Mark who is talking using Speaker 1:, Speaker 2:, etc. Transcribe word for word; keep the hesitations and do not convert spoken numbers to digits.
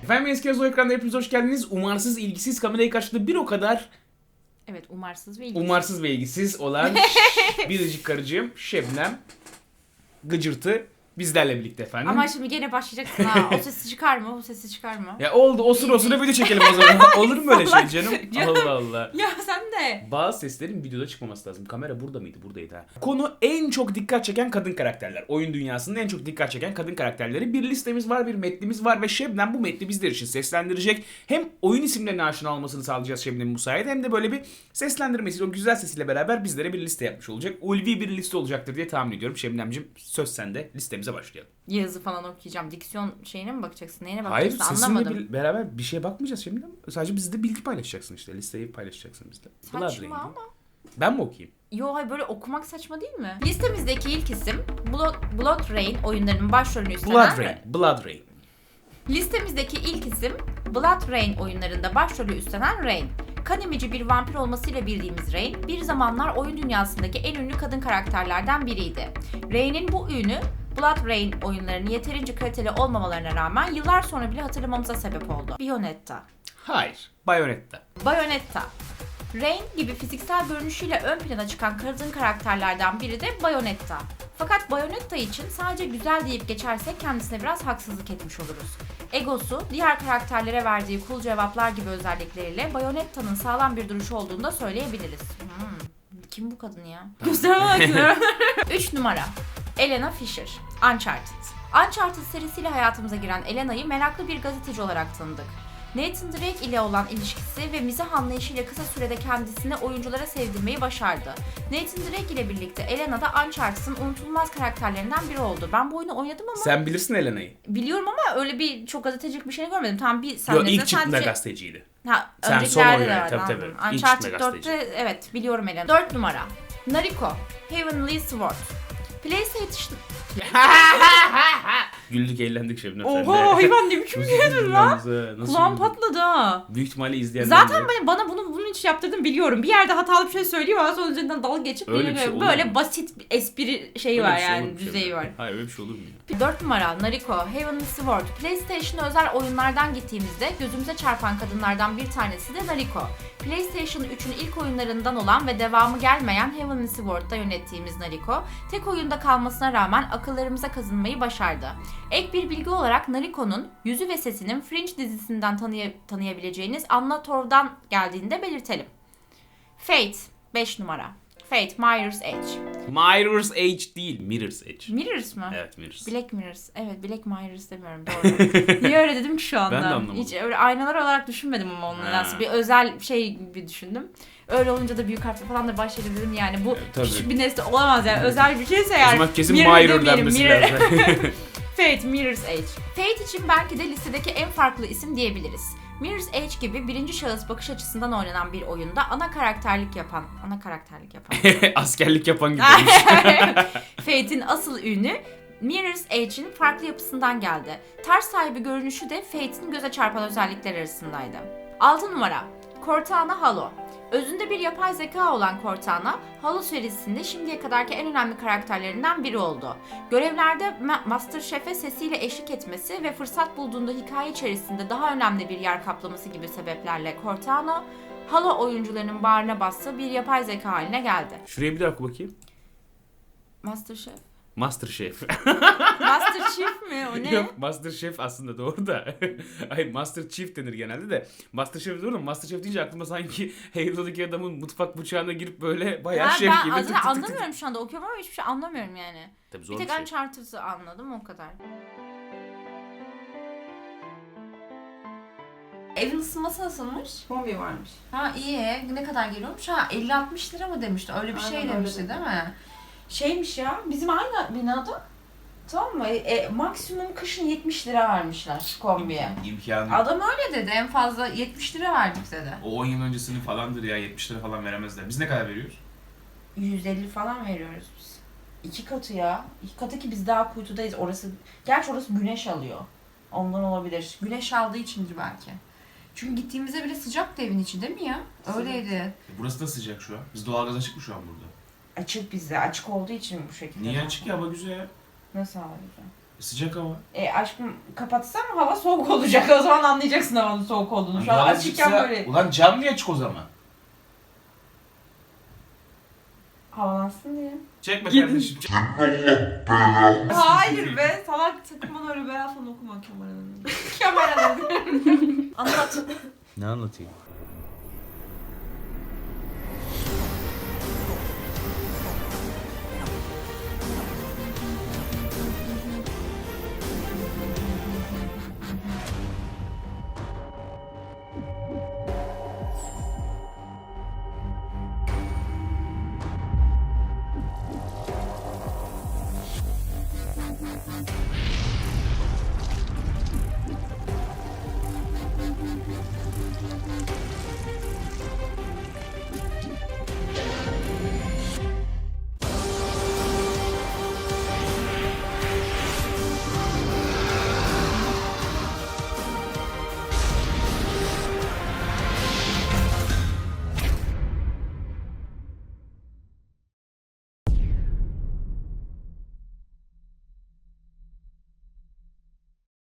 Speaker 1: Efendim eski yazı o ekranda hepiniz hoş geldiniz. Umarsız, ilgisiz, kamerayı karşıladı bir o kadar
Speaker 2: Evet, umarsız ve ilgisiz.
Speaker 1: umarsız ve ilgisiz olan biricik karıcığım Şebnem Gıcırtı bizlerle birlikte efendim.
Speaker 2: Ama şimdi gene başlayacaksın ha. O sesi çıkarma, o sesi çıkarma.
Speaker 1: Ya oldu, osur osura video çekelim o zaman. Olur mu öyle şey canım? Allah Allah.
Speaker 2: Ya sen de.
Speaker 1: Bazı seslerin videoda çıkmaması lazım. Kamera burada mıydı? Buradaydı ha. Konu en çok dikkat çeken kadın karakterler. Oyun dünyasının en çok dikkat çeken kadın karakterleri. Bir listemiz var, bir metnimiz var ve Şebnem bu metni bizler için seslendirecek. Hem oyun isimlerine aşina olmasını sağlayacağız Şebnem'in bu sayede hem de böyle bir seslendirmesi, o güzel sesiyle beraber bizlere bir liste yapmış olacak. Ulvi bir liste olacaktır diye tahmin ediyorum. Şebnemciğim söz sende. Listemize başlayalım.
Speaker 2: Yazı falan okuyacağım. Diksiyon şeyine mi bakacaksın? Neyine
Speaker 1: Hayır,
Speaker 2: bakacaksın?
Speaker 1: sesinle
Speaker 2: Anlamadım.
Speaker 1: bir, beraber bir şeye bakmayacağız Şebnem. Sadece bizde bilgi paylaşacaksın işte. Listeyi paylaşacaksın bizle. Blood
Speaker 2: Saçma
Speaker 1: Rain'i.
Speaker 2: ama.
Speaker 1: Ben mi okuyayım?
Speaker 2: Yo hayır, böyle okumak saçma değil mi? Listemizdeki ilk isim Blood, Blood Rain oyunlarının başrolünü üstlenen...
Speaker 1: Blood Rain. Blood Rain.
Speaker 2: Listemizdeki ilk isim Blood Rain oyunlarında başrolü üstlenen Rain. Kan emici bir vampir olmasıyla bildiğimiz Rain, bir zamanlar oyun dünyasındaki en ünlü kadın karakterlerden biriydi. Rain'in bu ünü, Blood Rain oyunlarının yeterince kaliteli olmamalarına rağmen yıllar sonra bile hatırlamamıza sebep oldu. Bayonetta.
Speaker 1: Hayır. Bayonetta.
Speaker 2: Bayonetta. Rain gibi fiziksel görünüşüyle ön plana çıkan kadın karakterlerden biri de Bayonetta. Fakat Bayonetta için sadece güzel deyip geçersek kendisine biraz haksızlık etmiş oluruz. Egosu, diğer karakterlere verdiği cool cevaplar gibi özellikleriyle Bayonetta'nın sağlam bir duruşu olduğunu da söyleyebiliriz. Hmm. Kim bu kadın ya? Gösteremezler. üç numara. Elena Fisher. Uncharted. Uncharted serisiyle hayatımıza giren Elena'yı meraklı bir gazeteci olarak tanıdık. Nathan Drake ile olan ilişkisi ve mizah anlayışıyla kısa sürede kendisini oyunculara sevdirmeyi başardı. Nathan Drake ile birlikte Elena da Uncharted'ın unutulmaz karakterlerinden biri oldu. Ben bu oyunu oynadım ama...
Speaker 1: Sen bilirsin Elena'yı.
Speaker 2: Biliyorum ama öyle bir çok gazetecilik bir şey görmedim. Tam bir
Speaker 1: Yok,
Speaker 2: sahnede
Speaker 1: ilk çıktığında
Speaker 2: sadece...
Speaker 1: gazeteciydi.
Speaker 2: Ha,
Speaker 1: Sen son
Speaker 2: öncekilerde
Speaker 1: oyunu,
Speaker 2: de var.
Speaker 1: tabii,
Speaker 2: Anladım.
Speaker 1: tabii. İlk
Speaker 2: Uncharted
Speaker 1: çıktığında gazeteci.
Speaker 2: dörtte evet biliyorum Elena. dört numara. Nariko. Heavenly Sword. PlayStation...
Speaker 1: Güldük eğlendik Şebnem.
Speaker 2: Oha hayvan ne biçim güldün lan? Kulağım
Speaker 1: patladı.
Speaker 2: patladı ha.
Speaker 1: Büyük ihtimalle izleyenler
Speaker 2: Zaten ben, bana bunu bunun için yaptırdın biliyorum. Bir yerde hatalı bir şey söylüyor ama sonra üzerinden dalga geçip
Speaker 1: Öyle
Speaker 2: bir
Speaker 1: bir şey olur
Speaker 2: böyle
Speaker 1: mu?
Speaker 2: basit bir espri şeyi var yani düzeyi var.
Speaker 1: Hayır öyle bir şey olur mu ya?
Speaker 2: dört numara Nariko, Heavenly Sword. PlayStation özel oyunlardan gittiğimizde gözümüze çarpan kadınlardan bir tanesi de Nariko. PlayStation üçün ilk oyunlarından olan ve devamı gelmeyen Heavenly Sword'da yönettiğimiz Nariko, tek oyunda kalmasına rağmen akıllarımıza kazınmayı başardı. Ek bir bilgi olarak Nariko'nun yüzü ve sesinin Fringe dizisinden tanıya- tanıyabileceğiniz Anna Torv'dan geldiğini de belirtelim. Fate, beş numara. Fate, Mirror's Edge.
Speaker 1: Mirror's Edge değil, Mirror's Edge.
Speaker 2: Mirrors mı?
Speaker 1: Evet, Mirrors.
Speaker 2: Black Mirrors. Evet, Black Mirrors demiyorum doğru. Niye öyle dedim ki şu anda?
Speaker 1: Ben de anlamadım.
Speaker 2: Hiç öyle aynalar olarak düşünmedim ama onun
Speaker 1: Ha.
Speaker 2: nedense. Bir özel şey bir düşündüm. Öyle olunca da büyük harfle falan da başlayalım dedim yani. Bu
Speaker 1: Evet, tabii.
Speaker 2: küçük bir nesne olamaz yani. Özel bir şeyse
Speaker 1: O
Speaker 2: yani.
Speaker 1: zaman kesin
Speaker 2: Mirror
Speaker 1: Mirror
Speaker 2: demeyelim,
Speaker 1: denmesi
Speaker 2: Mirror.
Speaker 1: lazım.
Speaker 2: Fate, Mirror's Edge. Fate için belki de listedeki en farklı isim diyebiliriz. Mirror's Edge gibi birinci şahıs bakış açısından oynanan bir oyunda ana karakterlik yapan, ana karakterlik yapan.
Speaker 1: Askerlik yapan gibi.
Speaker 2: Fate'in asıl ünü Mirror's Edge'in farklı yapısından geldi. Ters sahibi görünüşü de Fate'in göze çarpan özellikler arasındaydı. altı numara Cortana Halo. Özünde bir yapay zeka olan Cortana, Halo serisinde şimdiye kadarki en önemli karakterlerinden biri oldu. Görevlerde Ma- MasterChef'e sesiyle eşlik etmesi ve fırsat bulduğunda hikaye içerisinde daha önemli bir yer kaplaması gibi sebeplerle Cortana, Halo oyuncularının bağrına bastığı bir yapay zeka haline geldi.
Speaker 1: Şuraya bir daha oku bakayım.
Speaker 2: MasterChef.
Speaker 1: Masterchef.
Speaker 2: Master Chief mi? O ne?
Speaker 1: Yok, Masterchef aslında doğru da. Ay, Master Chief denir genelde de. Masterchef doğru mu? Masterchef deyince aklıma sanki Halo'daki adamın mutfak bıçağına girip böyle bayağı
Speaker 2: Ha,
Speaker 1: şef
Speaker 2: ben
Speaker 1: gibi.
Speaker 2: az-
Speaker 1: tık tık tık tık.
Speaker 2: anlamıyorum şu anda okuyorum ama hiçbir şey anlamıyorum yani.
Speaker 1: Tabii zor
Speaker 2: Bir
Speaker 1: bir
Speaker 2: tek
Speaker 1: şey.
Speaker 2: Uncharted'ı anladım o kadar. Evin ısınması nasılmış?
Speaker 3: Kombi varmış.
Speaker 2: Ha iyi. Ne kadar geliyormuş? Ha elli altmış lira mı demişti? Öyle bir
Speaker 3: Aynen
Speaker 2: şey
Speaker 3: öyle
Speaker 2: demişti
Speaker 3: dedi.
Speaker 2: değil mi?
Speaker 3: Şeymiş ya, bizim aynı binada, tamam mı? E, maksimum kışın yetmiş lira vermişler kombiye.
Speaker 1: İmkanı.
Speaker 2: Adam öyle dedi. En fazla yetmiş lira verdik dedi.
Speaker 1: O on yıl öncesinin falandır ya, yetmiş lira falan veremezler. Biz ne kadar veriyoruz?
Speaker 3: yüz elli falan veriyoruz biz. İki katı ya. İki katı ki biz daha kuytudayız. Orası, gerçi orası güneş alıyor. Ondan olabilir. Güneş aldığı içindir belki. Çünkü gittiğimizde bile sıcaktı evin içi değil mi ya? Öyleydi.
Speaker 1: E, burası da sıcak şu an. Biz doğalgaz açık mı şu an burada?
Speaker 3: Açık bizde. Açık olduğu için bu şekilde.
Speaker 1: Niye açık ya, hava güzel.
Speaker 3: Nasıl hava güzel?
Speaker 1: Sıcak hava.
Speaker 3: E aşkım kapatsam hava soğuk olacak. O zaman anlayacaksın havanın soğuk olduğunu. Şu an açıkken böyle
Speaker 1: Ulan cam niye açık o zaman?
Speaker 3: havalansın diye.
Speaker 1: Çekme
Speaker 2: Gidin.
Speaker 1: kardeşim. Çek.
Speaker 3: Hayır be salak sakın öyle beyaz falan okuma kameranın. Kameranın. Anlat.
Speaker 1: Ne anlatayım?